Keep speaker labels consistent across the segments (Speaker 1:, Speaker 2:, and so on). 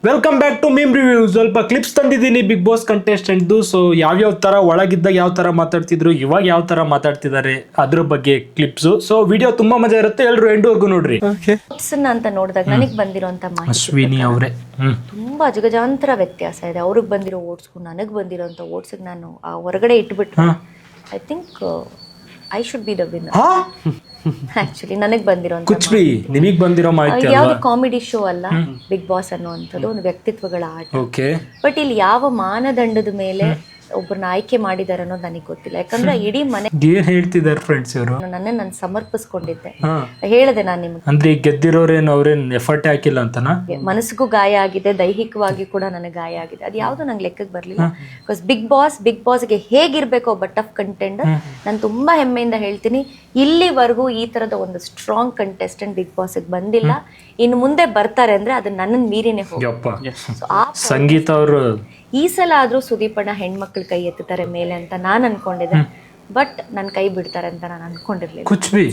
Speaker 1: Welcome back to meme review. ಸ್ವಲ್ಪ clips ತಂದಿದ್ದೀನಿ Bigg Boss ಕಂಟೆಸ್ಟೆಂಟ್ದು. ಸೊ ಯಾವ್ಯಾವ ತರ ಒಳಗಿದ್ದಾಗ ಯಾವ ತರ ಮಾತಾಡ್ತಿದ್ರು, ಇವಾಗ ಯಾವ ತರ ಮಾತಾಡ್ತಿದ್ದಾರೆ ಅದ್ರ ಬಗ್ಗೆ ಕ್ಲಿಪ್ಸ್. ಸೊ ವಿಡಿಯೋ ತುಂಬಾ ಮಜಾ ಇರುತ್ತೆ, ಎಲ್ರು ಎಂಡ್ವರೆಗೂ ನೋಡ್ರಿ.
Speaker 2: ಅಂತ ನೋಡಿದಾಗ ನನಗೆ ಬಂದಿರೋಂಥ ಮಾಹಿತಿ
Speaker 1: ಅಶ್ವಿನಿ ಅವರೇ
Speaker 2: ತುಂಬಾ ಅಜಗಜಾಂತರ ವ್ಯತ್ಯಾಸ ಇದೆ. ಅವ್ರಿಗೆ ಬಂದಿರೋ ಓಟ್ಸ್ಗೂ ನನಗೆ ಬಂದಿರೋಂಥ ಓಟ್ಸ್ಗೆ ನಾನು ಆ ಹೊರಗಡೆ ಇಟ್ಬಿಟ್ರೆ I think I should be the winner. Actually ನನಗೆ ಬಂದಿರೋಂಥ
Speaker 1: ಕುಚ್ಬಿ ನಿಮಗ್ ಬಂದಿರೋ ಮಾಹಿತಿ
Speaker 2: ಯಾವ್ದು ಕಾಮಿಡಿ ಶೋ ಅಲ್ಲ ಬಿಗ್ ಬಾಸ್ ಅನ್ನುವಂಥದ್ದು ಒಂದು ವ್ಯಕ್ತಿತ್ವಗಳ ಆಟ.
Speaker 1: ಓಕೆ,
Speaker 2: ಬಟ್ ಇಲ್ಲಿ ಯಾವ ಮಾನದಂಡದ ಮೇಲೆ ಒಬ್ಬರನ್ನ ಆಯ್ಕೆ ಮಾಡಿದಾರೆ ಅನ್ನೋದು ನನಗೆ ಗೊತ್ತಿಲ್ಲ. ಯಾಕಂದ್ರೆ ಇಡೀ ಮನೆ
Speaker 1: ಏನ್ ಹೇಳ್ತಿದಾರೆ ಫ್ರೆಂಡ್ಸ್ ಇವರು.
Speaker 2: ನಾನು ಸಮರ್ಪಿಸ್ಕೊಂಡಿದ್ದೆ. ಹೇಳಿದೆ ನಾನು ನಿಮ್ಗೆ,
Speaker 1: ಅಂದ್ರೆ ಗೆದ್ದಿರೋರೇನು ಅವ್ರೇನ್ ಎಫರ್ಟ್ ಹಾಕಿಲ್ಲ ಅಂತನಾ?
Speaker 2: ಮನಸ್ಸಿಗೂ ಗಾಯ ಆಗಿದೆ, ದೈಹಿಕವಾಗಿ ಕೂಡ ನನಗೆ ಗಾಯ ಆಗಿದೆ. ಅದು ಯಾವುದು ನಂಗೆ ಲೆಕ್ಕಕ್ಕೆ ಬರಲಿಲ್ಲ. ಬಿಕಾಸ್ ಬಿಗ್ ಬಾಸ್ಗೆ ಹೇಗಿರ್ಬೇಕು ಒಬ್ಬ ಟಫ್ ಕಂಟೆಂಡರ್, ನಾನು ತುಂಬಾ ಹೆಮ್ಮೆಯಿಂದ ಹೇಳ್ತೀನಿ, ಇಲ್ಲಿವರೆಗೂ ಈ ತರದ ಒಂದು ಸ್ಟ್ರಾಂಗ್ ಕಂಟೆಸ್ಟೆಂಟ್ ಬಿಗ್ ಬಾಸ್ಗೆ ಬಂದಿಲ್ಲ. ಇನ್ನು ಮುಂದೆ ಬರ್ತಾರೆ ಅಂದ್ರೆ ಅದು ನನ್ನನ್ನು ಮೀರಿನೇ ಹೋಗುತ್ತೆ.
Speaker 1: ಸಂಗೀತ ಅವರು
Speaker 2: ಈ ಸಲ ಆದ್ರೂ ಸುದೀಪಣ್ಣ ಹೆಣ್ಮಕ್ಳು ಕೈ ಎತ್ತುತ್ತಾರೆ ಮೇಲೆ ಅಂತ ನಾನು ಅನ್ಕೊಂಡಿದ್ದೆ. ಬಟ್ ನನ್ನ ಕೈ ಬಿಡ್ತಾರೆ ಅಂತ ನಾನು ಅನ್ಕೊಂಡಿರ್ಲಿಲ್ಲ.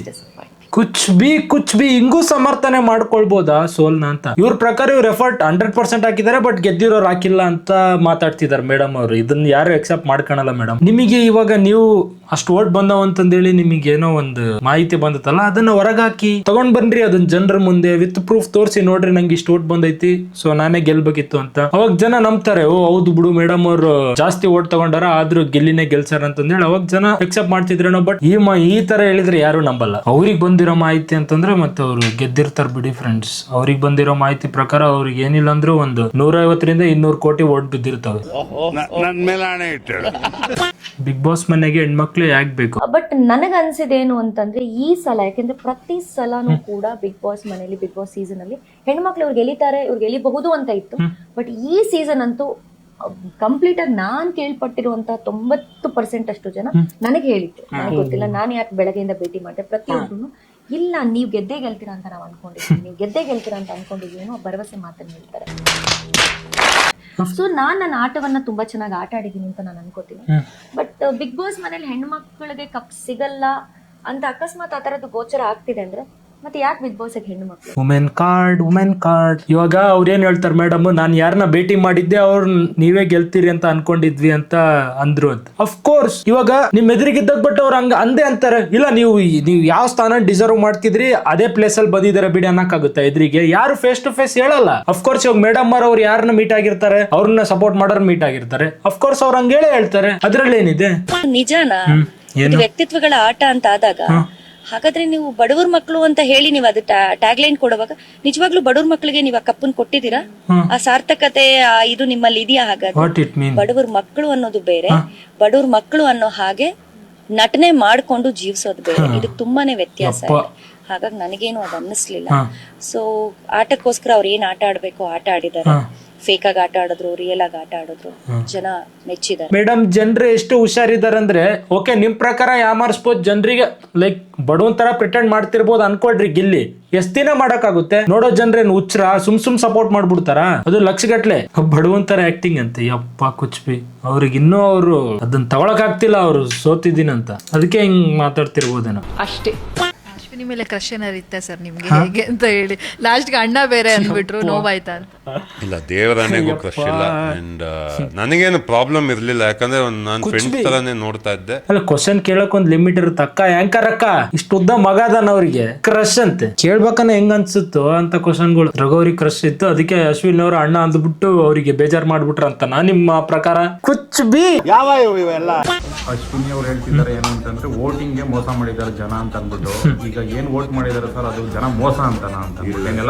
Speaker 1: ಕುಚ್ ಬಿ ಹಿಂಗೂ ಸಮರ್ಥನೆ ಮಾಡ್ಕೊಳ್ಬೋದಾ ಸೋಲ್ನ ಅಂತ. ಇವ್ರ ಪ್ರಕಾರ ಇವ್ರ ಎಫರ್ಟ್ 100% ಹಾಕಿದ್ದಾರೆ, ಬಟ್ ಗೆದ್ದಿರೋರು ಹಾಕಿಲ್ಲ ಅಂತ ಮಾತಾಡ್ತಿದ್ದಾರೆ ಮೇಡಮ್ ಅವರು. ಇದನ್ನ ಯಾರು ಎಕ್ಸೆಪ್ಟ್ ಮಾಡ್ಕೊಳಲ್ಲ ಮೇಡಮ್. ನಿಮಗೆ ಇವಾಗ ನೀವು ಅಷ್ಟು ಓಟ್ ಬಂದವ ಅಂತಂದೇಳಿ ನಿಮಗೆ ಏನೋ ಒಂದು ಮಾಹಿತಿ ಬಂದತ್ತಲ್ಲ, ಅದನ್ನ ಹೊರಗಾಕಿ ತಗೊಂಡ್ ಬನ್ರಿ, ಅದನ್ನ ಜನರ ಮುಂದೆ ವಿತ್ ಪ್ರೂಫ್ ತೋರಿಸಿ, ನೋಡ್ರಿ ನಂಗೆ ಇಷ್ಟು ಓಟ್ ಬಂದೈತಿ, ಸೊ ನಾನೇ ಗೆಲ್ಬೇಕಿತ್ತು ಅಂತ. ಅವಾಗ ಜನ ನಂಬ್ತಾರೆ, ಓ ಹೌದು ಬಿಡು ಮೇಡಮ್ ಅವರು ಜಾಸ್ತಿ ಓಟ್ ತಗೊಂಡಾರ, ಆದ್ರೂ ಗೆಲ್ಲಿನೇ ಗೆಲ್ಸಾರ ಅಂತಂದೇಳಿ ಅವಾಗ ಜನ ಎಕ್ಸೆಪ್ಟ್ ಮಾಡ್ತಿದ್ರೇನೋ. ಬಟ್ ಈ ತರ ಹೇಳಿದ್ರೆ ಯಾರು ನಂಬಲ್ಲ. ಅವ್ರಿಗೆ ಬಂದಿರೋ ಮಾಹಿತಿ ಅಂತಂದ್ರೆ ಮತ್ತೆ ಅವ್ರು ಗೆದ್ದಿರ್ತಾರ ಬಿಡಿ ಫ್ರೆಂಡ್ಸ್. ಅವ್ರಿಗೆ ಬಂದಿರೋ ಮಾಹಿತಿ ಪ್ರಕಾರ ಅವ್ರಿಗೆ ಏನಿಲ್ಲ ಅಂದ್ರೂ ಒಂದು 150 ರಿಂದ 200 ಕೋಟಿ ಓಟ್ ಬಿದ್ದಿರ್ತವೆ. ಬಿಗ್ ಬಾಸ್ ಮನೆಗೆ ಹೆಣ್ಮಕ್ಳು ಯಾಕೆ ಬೇಕು?
Speaker 2: ಬಟ್ ನನಗ ಅನ್ಸಿದೇನು ಅಂತಂದ್ರೆ ಈ ಸಲ, ಯಾಕೆಂದ್ರೆ ಪ್ರತಿ ಸಲನೂ ಕೂಡ ಬಿಗ್ ಬಾಸ್ ಮನೆಯಲ್ಲಿ, ಬಿಗ್ ಬಾಸ್ ಸೀಸನ್ ಅಲ್ಲಿ ಹೆಣ್ಮಕ್ಳು ಇವ್ರು ಗೆಲ್ಲಿತಾರೆ, ಇವ್ರು ಗೆಲ್ಲಿಬಹುದು ಅಂತ ಇತ್ತು. ಬಟ್ ಈ ಸೀಸನ್ ಅಂತೂ ಕಂಪ್ಲೀಟ್ ಆಗಿ ನಾನ್ ಕೇಳ್ಪಟ್ಟಿರುವಂತಹ 90% ಅಷ್ಟು ಜನ ನನಗೆ ಹೇಳಿದ್ರು. ನನಗೆ ಗೊತ್ತಿಲ್ಲ, ನಾನು ಯಾಕೆ ಬೆಳಗ್ಗೆಯಿಂದ ಭೇಟಿ ಮಾಡಿದೆ, ಪ್ರತಿಯೊಬ್ಬರು ಇಲ್ಲ ನೀವು ಗೆದ್ದೇ ಗೆಲ್ತೀರಾ ಅಂತ ನಾವು ಅನ್ಕೊಂಡಿದ್ದೀವಿ, ನೀವು ಗೆದ್ದೇ ಗೆಲ್ತೀರಾ ಅಂತ ಅನ್ಕೊಂಡಿದ್ದೀವಿ ಅನ್ನೋ ಭರವಸೆ ಮಾತನ್ನು ಹೇಳ್ತಾರೆ. ಸೊ ನನ್ನ ಆಟವನ್ನ ತುಂಬಾ ಚೆನ್ನಾಗಿ ಆಟ ಆಡಿದೀನಿ ಅಂತ ನಾನು ಅನ್ಕೋತೀನಿ. ಬಟ್ ಬಿಗ್ ಬಾಸ್ ಮನೇಲಿ ಹೆಣ್ಮಕ್ಳಿಗೆ ಕಪ್ ಸಿಗಲ್ಲ ಅಂತ ಅಕಸ್ಮಾತ್ ಆ ತರದ್ದು ಗೋಚರ ಆಗ್ತಿದೆ ಅಂದ್ರೆ ಮತ್ತೆ ಯಾಕೆ ಬಿಗ್ ಬಾಸ್ ಹೆಣ್ಣು ಮಕ್ಳು?
Speaker 1: ವುಮೆನ್ ಕಾರ್ಡ್ ಇವಾಗ ಅವ್ರು ಏನ್ ಹೇಳ್ತಾರೆ ಮೇಡಮ್, ನಾನು ಯಾರನ್ನ ಭೇಟಿ ಮಾಡಿದ್ದೆ ಅವ್ರು ನೀವೇ ಗೆಲ್ತೀರಿ ಅಂತ ಅನ್ಕೊಂಡಿದ್ವಿ ಅಂತ ಅಂದ್ರು ಅಂತ. ಅಫ್ಕೋರ್ಸ್ ಇವಾಗ ನಿಮ್ ಎದುರಿಗಿದ್ದಾಗ ಬಟ್ ಅವ್ರು ಹಂಗ ಅಂದೇ ಅಂತಾರೆ, ಇಲ್ಲ ನೀವು ಯಾವ ಸ್ಥಾನ ಡಿಸರ್ವ್ ಮಾಡ್ತಿದ್ರಿ ಅದೇ ಪ್ಲೇಸ್ ಅಲ್ಲಿ ಬಂದಿದ್ದಾರೆ ಬಿಡಿ ಅನ್ನಕ್ಕಾಗುತ್ತೆ. ಎದುರಿಗೆ ಯಾರು ಫೇಸ್ ಟು ಫೇಸ್ ಹೇಳಲ್ಲ. ಅಫ್ಕೋರ್ಸ್ ಇವಾಗ ಮೇಡಮ್ ಅವ್ರು ಯಾರನ್ನ ಮೀಟ್ ಆಗಿರ್ತಾರೆ, ಅವ್ರನ್ನ ಸಪೋರ್ಟ್ ಮಾಡೋರ್ ಮೀಟ್ ಆಗಿರ್ತಾರೆ, ಅಫ್ಕೋರ್ಸ್ ಅವ್ರು ಹಂಗೇಳೆ ಹೇಳ್ತಾರೆ. ಅದ್ರಲ್ಲಿ ಏನಿದೆ?
Speaker 2: ನಿಜಾನ ವ್ಯಕ್ತಿತ್ವಗಳ ಆಟ ಅಂತ ಆದಾಗ, ಹಾಗಾದ್ರೆ ನೀವು ಬಡವ್ರ ಮಕ್ಕಳು ಅಂತ ಹೇಳಿ ನೀವು ಅದು ಟ್ಯಾಗ್ ಲೈನ್ ಕೊಡುವಾಗ ನಿಜವಾಗ್ಲೂ ಬಡವ್ರ ಮಕ್ಕಳಿಗೆ ನೀವು ಆ ಕಪ್ಪನ್ ಕೊಟ್ಟಿದ್ದೀರಾ? ಆ ಸಾರ್ಥಕತೆ ಇದು ನಿಮ್ಮಲ್ಲಿ ಇದೆಯಾ? ಹಾಗಾದ್ರೆ ಬಡವ್ರ ಮಕ್ಕಳು ಅನ್ನೋದು ಬೇರೆ, ಬಡವ್ರ ಮಕ್ಕಳು ಅನ್ನೋ ಹಾಗೆ ನಟನೆ ಮಾಡ್ಕೊಂಡು ಜೀವಿಸೋದು ಬೇರೆ. ಇದಕ್ಕೆ ತುಂಬಾನೇ ವ್ಯತ್ಯಾಸ ಇದೆ. ಹಾಗಾಗಿ ನನಗೇನು ಅದು ಅನ್ನಿಸ್ಲಿಲ್ಲ. ಸೊ ಆಟಕ್ಕೋಸ್ಕರ ಅವ್ರು ಏನ್ ಆಟ ಆಡ್ಬೇಕು ಆಟ ಆಡಿದಾರೆ. ಫೇಕ್ ಆಗಿ ಆಟ ಆಡಿದ್ರು, ರಿಯಲ್ ಆಗಿ ಆಟ ಆಡಿದ್ರು, ಜನ ಮೆಚ್ಚಿದ್ದಾರೆ.
Speaker 1: ಮೇಡಮ್ ಜನರು ಎಷ್ಟು ಹುಷಾರಿದ್ದಾರೆ ಅಂದ್ರೆ, ಓಕೆ ನಿಮ್ ಪ್ರಕಾರ ಯಾಮಾರಿಸ್ಬೋದು ಜನರಿಗೆ, ಲೈಕ್ ಬಡವನ್ ತರ ಪ್ರಿಟೆಂಡ್ ಮಾಡ್ತಿರ್ಬೋದು ಅನ್ಕೊಳ್ರಿ, ಗಿಲ್ಲಿ ಎಷ್ಟ್ ದಿನ ಮಾಡಕ್ಕಾಗುತ್ತೆ? ನೋಡೋ ಜನರೇನು ಹುಚ್ರ ಸುಮ್ ಸಪೋರ್ಟ್ ಮಾಡ್ಬಿಡ್ತಾರ? ಅದು ಲಕ್ಷಗಟ್ಲೆ ಬಡವನ್ ತರ ಆಕ್ಟಿಂಗ್ ಅಂತೆ. ಯಪ್ಪ ಕುಚ್ಬಿ ಅವ್ರಿಗೆ ಇನ್ನೂ ಅವರು ಅದನ್ನ ತಗೊಳಕ್ ಆಗ್ತಿಲ್ಲ, ಅವ್ರು ಸೋತಿದ್ದೀನಂತ, ಅದಕ್ಕೆ ಹಿಂಗ್ ಮಾತಾಡ್ತಿರ್ಬೋದೇನೋ ಅಷ್ಟೇ.
Speaker 3: ಅಶ್ವಿನಿ ಮೇಲೆ ಕ್ರಶ್ ಏನಾರು ಇತ್ತ ಸರ್ ನಿಮ್ಗೆ ಹೇಗೆ ಅಂತ ಹೇಳಿ ಲಾಸ್ಟ್ಗೆ ಅಣ್ಣ ಬೇರೆ ಅಂದ್ಬಿಟ್ರು, ನೋವಾಯ್ತಾ ಅಂತ?
Speaker 4: ಇಲ್ಲ, ದೇವರಾಣೆಗೂ ಕ್ರಶ್ ಇಲ್ಲ. ಅಂಡ್ ನನಗೇನು ಪ್ರಾಬ್ಲಮ್ ಇರ್ಲಿಲ್ಲ, ಯಾಕಂದ್ರೆ ನಾನು ಫ್ರೆಂಡ್ಸ್ ತರಾನೇ ನೋಡ್ತಾ ಇದ್ದೆ.
Speaker 1: ಅಲ್ಲ, ಕ್ವಶನ್ ಕೇಳಕ್ ಒಂದ್ ಲಿಮಿಟ್ ಇರುತ್ತೆ. ಅಕ್ಕ ಆಂಕರ್ ಅಕ್ಕ ಇಷ್ಟು ಉದ್ದ ಮಗ ಅದಾನ, ಅವ್ರಿಗೆ ಕ್ರಶ್ ಅಂತೆ ಕೇಳ್ಬೇಕನ್ನ ಹೆಂಗ್ ಅನ್ಸುತ್ತೋ ಅಂತ ಕ್ವಶನ್ಗಳು. ರಘುವರಿಗೆ ಕ್ರಶ್ ಇತ್ತು, ಅದಕ್ಕೆ ಅಶ್ವಿನ್ ಅವ್ರ ಅಣ್ಣ ಅಂದ್ಬಿಟ್ಟು ಅವರಿಗೆ ಬೇಜಾರ್ ಮಾಡ್ಬಿಟ್ರ ಅಂತ ನಿಮ್ಮ ಪ್ರಕಾರ? ಕುಚ್ಬಿ
Speaker 5: ಯಾವ ಇವೆಲ್ಲ ಅಶ್ವಿನಿ ಅವ್ರು ಹೇಳ್ತಿದ್ದಾರೆ ಏನು ಅಂತಂದ್ರೆ ವೋಟಿಂಗ್ಗೆ ಮೋಸ ಮಾಡಿದ್ದಾರೆ ಜನ ಅಂತ ಅಂದ್ಬಿಟ್ಟು. ಈಗ ಏನ್ ವೋಟ್ ಮಾಡಿದಾರೆ ಸರ್ ಅದು ಜನ ಮೋಸ ಅಂತನಾ ಅಂತ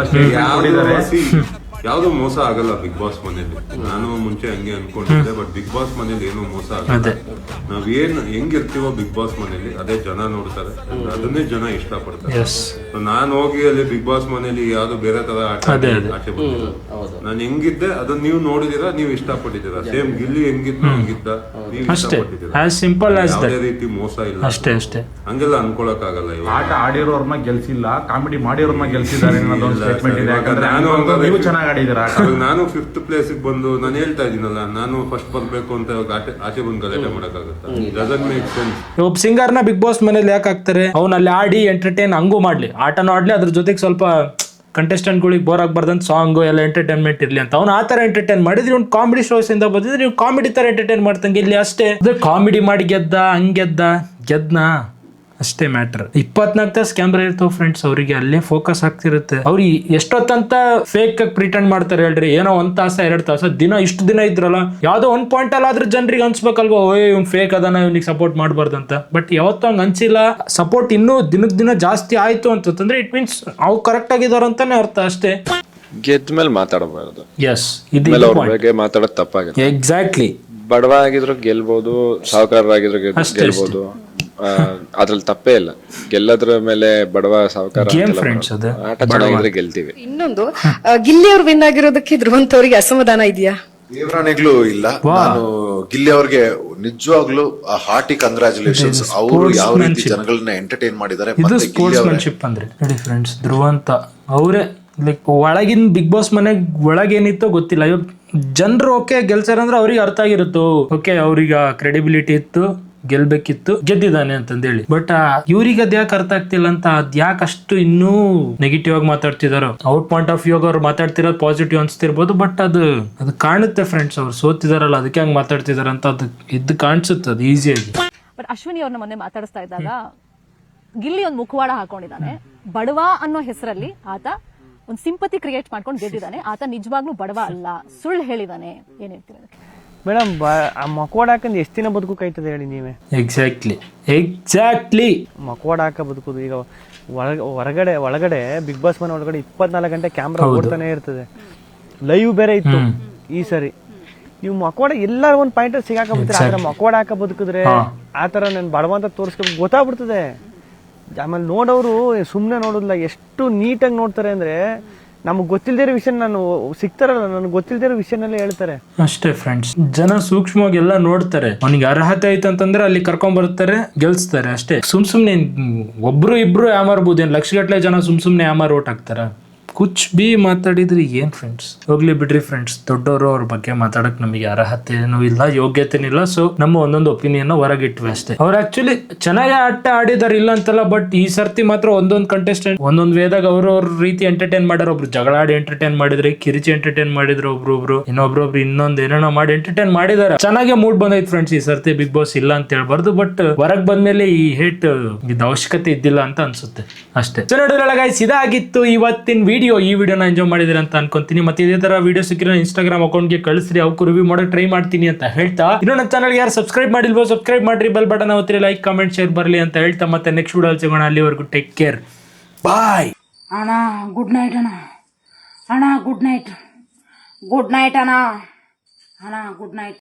Speaker 4: ಯಾವ್ದು ಮೋಸ ಆಗಲ್ಲ ಬಿಗ್ ಬಾಸ್ ಮನೇಲಿ. ನಾನು ಮುಂಚೆ ಹಂಗೆ ಅನ್ಕೊಂಡಿದ್ದೆ, ಬಟ್ ಬಿಗ್ ಬಾಸ್ ಮನೇಲಿ ಏನು ಮೋಸ ಆಗಲ್ಲ. ನಾವೇನ್ ಹೆಂಗಿರ್ತೀವೋ ಬಿಗ್ ಬಾಸ್ ಮನೇಲಿ ಅದೇ ಜನ ನೋಡ್ತಾರೆ, ಅದನ್ನೇ ಜನ ಇಷ್ಟಪಡ್ತಾರೆ. ನಾನು ಹೋಗಿ ಅಲ್ಲಿ ಬಿಗ್ ಬಾಸ್ ಮನೇಲಿ ಯಾವ್ದು ಬೇರೆ ತರ ಆಚೆ ಬಂದಿಲ್ಲ. ನಾನು ಹೆಂಗಿದ್ದೆ ಅದನ್ನ ನೀವು ನೋಡಿದೀರಾ, ನೀವು ಇಷ್ಟಪಟ್ಟಿದ್ದೀರಾ. ಸೇಮ್ ಗಿಲ್ಲಿ ಹೆಂಗಿದ್ದ ಹಂಗಿದ್ದ ನೀವು ಇಷ್ಟಪಟ್ಟಿದ್ದೀರಾ. ಯಾವುದೇ ರೀತಿ ಮೋಸ ಇಲ್ಲ, ಅಷ್ಟೇ ಅಷ್ಟೇ. ಹಂಗೆಲ್ಲ ಅನ್ಕೊಳಕ್ ಆಗಲ್ಲ.
Speaker 5: ಆಟ ಆಡಿರೋರ್ನ ಗೆಲ್ಸಿಲ್ಲ, ಕಾಮಿಡಿ ಮಾಡಿರೋರ್ನ ಗೆಲ್ಸಿದ್ದಾರೆ.
Speaker 4: ನಾನು 5th ಪ್ಲೇಸ್ ಬಂದು ನಾನು ಹೇಳ್ತಾ ಇದೀನಲ್ಲ, ನಾನು ಫಸ್ಟ್ ಬರ್ಬೇಕು ಅಂತ ಆಚೆ ಬಂದು ಗಲಾಟೆ ಮಾಡಕ್ಕಾಗತ್ತ?
Speaker 1: ಒಬ್ಬ ಸಿಂಗರ್ನ ಬಿಗ್ ಬಾಸ್ ಮನೇಲಿ ಯಾಕೆ ಹಾಕ್ತಾರೆ? ಅವ್ನ ಅಲ್ಲಿ ಆಡಿ ಎಂಟರ್ಟೈನ್ ಹಂಗೂ ಮಾಡ್ಲಿ, ಆಟನೂ ಆಡ್ಲಿ, ಅದ್ರ ಜೊತೆಗೆ ಸ್ವಲ್ಪ ಕಂಟೆಸ್ಟೆಂಟ್ಗಳಿಗೆ ಬೋರ್ ಆಗ್ಬಾರ್ದಂತ ಸಾಂಗು ಎಲ್ಲ ಎಂಟರ್ಟೈನ್ಮೆಂಟ್ ಇರ್ಲಿ ಅಂತ. ಅವ್ನು ಆ ತರ ಎಂಟರ್ಟೈನ್ ಮಾಡಿದ್ರೆ ಇವ್ನು ಕಾಮಿಡಿ ಶೋಸ್ ಇಂದ ಬಂದಿದ್ರೆ ನೀವು ಕಾಮಿಡಿ ತರ ಎಂಟರ್ಟೈನ್ ಮಾಡ್ತಂಗೆ ಇಲ್ಲಿ ಅಷ್ಟೇ. ಕಾಮಿಡಿ ಮಾಡಿ ಗೆದ್ನಾ ಅಷ್ಟೇ ಮ್ಯಾಟರ್. 24 ತಾಸು ಕ್ಯಾಮ್ರಾ ಇರ್ತಾವ ಫ್ರೆಂಡ್ಸ್, ಅವರಿಗೆ ಅಲ್ಲೇ ಫೋಕಸ್ ಆಗ್ತಿರುತ್ತೆ. ಅವ್ರು ಎಷ್ಟೊತ್ತಂತ ಫೇಕ್ ಪ್ರಿಟೆಂಡ್ ಮಾಡ್ತಾರೆ ಹೇಳ್ರಿ. ಏನೋ 1 ತಾಸ 2 ತಾಸ ಇಷ್ಟು ದಿನ ಇದ್ರಲ್ಲ, ಯಾವ್ದೋ ಒಂದ್ ಪಾಯಿಂಟ್ ಅಲ್ಲಿ ಆದ್ರೆ ಜನರಿಗೆ ಅನ್ಸ್ಬೇಕಲ್ವಾ, ಇವ್ನು ಫೇಕ್ ಅದಾನ, ಇವ್ನಿಗೆ ಸಪೋರ್ಟ್ ಮಾಡ್ಬಾರ್ದಂತ. ಬಟ್ ಯಾವತ್ತೂ ಹಂಗ ಅನ್ಸಿಲ್ಲ. ಸಪೋರ್ಟ್ ಇನ್ನೂ ದಿನಕ್ಕೆ ದಿನ ಜಾಸ್ತಿ ಆಯ್ತು ಅಂತಂದ್ರೆ ಇಟ್ ಮೀನ್ಸ್ ಅವ್ರು ಕರೆಕ್ಟ್ ಆಗಿದಾರ ಅಂತಾನೆ ಅರ್ಥ ಅಷ್ಟೇ.
Speaker 6: ಗೆದ್ಮೇಲೆ ಮಾತಾಡಬಾರ್ದು.
Speaker 1: ಎಸ್, ಇದು
Speaker 6: ಅವ್ರ ಬಗ್ಗೆ ಮಾತಾಡೋದು ತಪ್ಪಾಗುತ್ತೆ.
Speaker 1: ಎಕ್ಸಾಕ್ಟ್ಲಿ.
Speaker 6: ಬಡವ ಆಗಿದ್ರು ಗೆಲ್ಬಹುದು, ಸಾಹುಕಾರರಾಗಿದ್ರು ಗೆಲ್ಬಹುದು, ಅದ್ರಲ್ಲಿ ತಪ್ಪೇ ಇಲ್ಲ. ಗೆಲ್ಲದ್ರ ಮೇಲೆ ಬಡವ ಸಾಹುಕಾರ ಆಟ ಚೆನ್ನಾಗಿದ್ರೆ ಗೆಲ್ತೀವಿ.
Speaker 7: ಇನ್ನೊಂದು ಗಿಲ್ಲಿ ಅವ್ರು ವಿನ್ ಆಗಿರೋದಕ್ಕೆ ಧ್ರುವಂತ್ ಅವರಿಗೆ ಅಸಮಾಧಾನ ಇದೆಯಾ?
Speaker 8: ದೇವರಾಣಿಗ್ಲೂ ಇಲ್ಲ. ನಾನು ಗಿಲ್ಲಿ ಅವ್ರಿಗೆ ನಿಜವಾಗ್ಲೂ ಹಾರ್ಟಿ ಕಂಗ್ರಾಚುಲೇಷನ್ಸ್. ಅವರು ಯಾವ ರೀತಿ ಜನಗಳನ್ನ ಎಂಟರ್ಟೈನ್ ಮಾಡಿದ್ದಾರೆ.
Speaker 1: ಇದು ಸ್ಪೋರ್ಟ್ಸ್ಮನ್ಶಿಪ್ ಅಂದ್ರೆ ನೋಡಿ ಫ್ರೆಂಡ್ಸ್, ಧ್ರುವಂತ ಅವರೇ ಲೈಕ್ ಒಳಗಿನ ಬಿಗ್ ಬಾಸ್ ಮನೆಗ್ ಒಳಗೇನಿತ್ತೋ ಗೊತ್ತಿಲ್ಲ. ಇವಾಗ ಜನರು ಓಕೆ ಗೆಲ್ಸಾರ ಅಂದ್ರೆ ಅವ್ರಿಗೆ ಅರ್ಥ ಆಗಿರುತ್ತೋ, ಓಕೆ ಅವ್ರಿಗೆ ಕ್ರೆಡಿಬಿಲಿಟಿ ಇತ್ತು, ಗೆಲ್ಬೇಕಿತ್ತು, ಗೆದ್ದಿದ್ದಾನೆ ಅಂತಂದೇಳಿ. ಬಟ್ ಇವ್ರಿಗೆ ಅದ್ ಯಾಕೆ ಅರ್ಥ ಆಗ್ತಿಲ್ಲ ಅಂತ, ಅದ್ ಯಾಕೆ ಅಷ್ಟು ಇನ್ನೂ ನೆಗೆಟಿವ್ ಆಗಿ ಮಾತಾಡ್ತಿದಾರೋ. ಔಟ್ ಪಾಯಿಂಟ್ ಆಫ್ ವ್ಯೂ ಅವ್ರು ಮಾತಾಡ್ತಿರೋದು ಪಾಸಿಟಿವ್ ಅನ್ಸ್ತಿರ್ಬೋದು, ಬಟ್ ಅದು ಕಾಣುತ್ತೆ ಫ್ರೆಂಡ್ಸ್. ಅವ್ರು ಸೋತಿದಾರಲ್ಲ, ಅದಕ್ಕೆ ಹಂಗ್ ಮಾತಾಡ್ತಿದಾರ ಅಂತ ಅದು ಕಾಣಿಸುತ್ತೆ, ಅದು ಈಸಿಯಾಗಿ.
Speaker 9: ಬಟ್ ಅಶ್ವಿನಿ ಅವ್ರನ್ನ ಮೊನ್ನೆ ಮಾತಾಡಿಸ್ತಾ ಇದ್ದಾಗ ಗಿಲ್ಲಿ ಒಂದು ಮುಖವಾಡ ಹಾಕೊಂಡಿದ್ದಾನೆ. ಬಡವ ಅನ್ನೋ ಹೆಸರಲ್ಲಿ ಆತ ಒಂದು ಸಿಂಪತಿ ಕ್ರಿಯೇಟ್ ಮಾಡ್ಕೊಂಡು ಗೆದ್ದಿದ್ದಾನೆ. ಆತ ನಿಜವಾಗ್ಲೂ ಬಡವ ಅಲ್ಲ, ಸುಳ್ಳು ಹೇಳಿದಾನೆ. ಏನ್ ಹೇಳ್ತೀರಿ ಅದಕ್ಕೆ?
Speaker 10: ಮೇಡಮ್, ಮಕ್ವಾಡ ಹಾಕಂದು ಎಷ್ಟು ದಿನ ಬದುಕಾಯ್ತದೆ ಹೇಳಿ ನೀವೇ?
Speaker 1: ಎಕ್ಸಾಕ್ಟ್ಲಿ
Speaker 10: ಮಕ್ವಾಡ ಹಾಕ ಬದುಕುದು. ಈಗ ಒಳಗಡೆ ಬಿಗ್ ಬಾಸ್ ಮನೆ ಒಳಗಡೆ 24 ಗಂಟೆ ಕ್ಯಾಮ್ರಾ ಓಡ್ತಾನೆ ಇರ್ತದೆ. ಲೈವ್ ಬೇರೆ ಇತ್ತು ಈ ಸರಿ. ನೀವು ಮಕ್ವಾಡ ಎಲ್ಲಾರ ಒಂದ್ ಪಾಯಿಂಟ್ ಸಿಗಾಕಬಿಡ್ತಾರೆ. ಆದ್ರೆ ಮಕ್ವಾಡ ಹಾಕ ಬದುಕಿದ್ರೆ ಆತರ ನನ್ ಬಡವ ಅಂತ ತೋರಿಸ್ಕೊಂಡು ಗೊತ್ತಾಗ್ಬಿಡ್ತದೆ. ಆಮೇಲೆ ನೋಡೋರು ಸುಮ್ಮನೆ ನೋಡೋದಿಲ್ಲ, ಎಷ್ಟು ನೀಟಾಗಿ ನೋಡ್ತಾರೆ ಅಂದ್ರೆ ನಮ್ಗೆ ಗೊತ್ತಿಲ್ದಿರೋ ವಿಷಯ ಸಿಗ್ತಾರಲ್ಲ, ನನಗೆ ಗೊತ್ತಿಲ್ದಿರೋ ವಿಷಯನಲ್ಲೇ ಹೇಳ್ತಾರೆ
Speaker 1: ಅಷ್ಟೇ ಫ್ರೆಂಡ್ಸ್. ಜನ ಸೂಕ್ಷ್ಮವಾಗಿ ಎಲ್ಲ ನೋಡ್ತಾರೆ. ಅವನಿಗೆ ಅರ್ಹತೆ ಐತೆ ಅಂತಂದ್ರೆ ಅಲ್ಲಿ ಕರ್ಕೊಂಡ್ ಬರ್ತಾರೆ, ಗೆಲ್ಸ್ತಾರೆ ಅಷ್ಟೇ. ಸುಮ್ನೆ ಒಬ್ರು ಇಬ್ರು ಯಾಮಾರ್ಬೋದು, ಏನ್ ಲಕ್ಷಗಟ್ಲೆ ಜನ ಸುಮ್ನೆ ಯಾಮಾರ್ ಓಟ್ ಹಾಕ್ತಾರ? ಕುಚ್ ಬಿ ಮಾತಾಡಿದ್ರಿ ಏನ್ ಫ್ರೆಂಡ್ಸ್, ಹೋಗ್ಲಿ ಬಿಡ್ರಿ ಫ್ರೆಂಡ್ಸ್. ದೊಡ್ಡವರು ಅವ್ರ ಬಗ್ಗೆ ಮಾತಾಡಕ್ ನಮಗೆ ಅರ್ಹತೆನೂ ಇಲ್ಲ, ಯೋಗ್ಯತೆನಿಲ್ಲ. ಸೊ ನಮ್ಮ ಒಂದೊಂದು ಒಪಿನಿಯನ್ ಹೊರಗಿಟ್ವಿ ಅಷ್ಟೇ. ಅವ್ರು ಆಕ್ಚುಲಿ ಚೆನ್ನಾಗಿ ಆಟ ಆಡಿದಾರೆ, ಇಲ್ಲ ಅಂತಲ್ಲ. ಬಟ್ ಈ ಸರ್ತಿ ಮಾತ್ರ ಒಂದೊಂದು ಕಂಟೆಸ್ಟೆಂಟ್ ಒಂದೊಂದ್ ವೇದಾಗ ಅವ್ರ ರೀತಿ ಎಂಟರ್ಟೈನ್ ಮಾಡ್ಯಾರ. ಒಬ್ರು ಜಗಳ ಆಡಿ ಎಂಟರ್ಟೈನ್ ಮಾಡಿದ್ರೆ, ಕಿರಿಚಿ ಎಂಟರ್ಟೈನ್ ಮಾಡಿದ್ರು ಒಬ್ರು, ಇನ್ನೊಬ್ರು ಇನ್ನೊಂದ್ ಏನೇನೋ ಮಾಡಿ ಎಂಟರ್ಟೈನ್ ಮಾಡಿದಾರೆ. ಚೆನ್ನಾಗಿ ಮೂಡ್ ಬಂದೈತ್ ಫ್ರೆಂಡ್ಸ್ ಈ ಸರ್ತಿ ಬಿಗ್ ಬಾಸ್, ಇಲ್ಲ ಅಂತ ಹೇಳ್ಬಾರ್ದು. ಬಟ್ ಹೊರಗ್ ಬಂದ್ಮೇಲೆ ಈ ಹೇಟ್ ಇದು ಅವಶ್ಯಕತೆ ಇದ್ದಿಲ್ಲ ಅಂತ ಅನ್ಸುತ್ತೆ ಅಷ್ಟೇ. ಸೊ ನೋಡಿದ್ರಲ್ಲ ಗೈಸ್, ಇದಾಗಿತ್ತು ಇವತ್ತಿನ ವಿಡಿಯೋ. ಈ ವಿಡಿಯೋನ ಎಂಜಾಯ್ ಮಾಡಿದ್ರೆ ಅಂತ ಅನ್ಕೊಂತೀನಿ. ಮತ್ತೆ ಇದೇ ತರ ವಿಡಿಯೋ ಸಿಕ್ಕಿರೋ ಇನ್ಸ್ಟಾಗ್ರಾಮ್ ಅಕೌಂಟ್ಗೆ ಕಳಿಸ್ರಿ, ಅವಕ್ಕೂ ರಿವ್ಯೂ ಮಾಡೋಕೆ ಟ್ರೈ ಮಾಡ್ತೀನಿ ಅಂತ ಹೇಳ್ತಾ, ಇನ್ನು ನನ್ನ ಚಾನಲ್ಗೆ ಯಾರು ಸಬ್ಸ್ಕ್ರೈಬ್ ಮಾಡಿಲ್ವೋ ಸಬ್ಸ್ಕ್ರೈಬ್ ಮಾಡ್ರಿ, ಬೆಲ್ ಬಟನ್ ಒತ್ತಿರಿ, ಲೈಕ್ ಕಮೆಂಟ್ ಶೇರ್ ಬರಲಿ ಅಂತ ಹೇಳ್ತಾ, ಮತ್ತೆ ನೆಕ್ಸ್ಟ್ ವಿಡಿಯೋ ಸಿಗೋಣ. ಅಲ್ಲಿವರೆಗೂ ಟೇಕ್ ಕೇರ್, ಬಾಯ್.
Speaker 11: ಅಣ್ಣ ಗುಡ್ ನೈಟ್ ಅಣ್ಣ. ಗುಡ್ ನೈಟ್ ಅಣ್ಣ. Good night.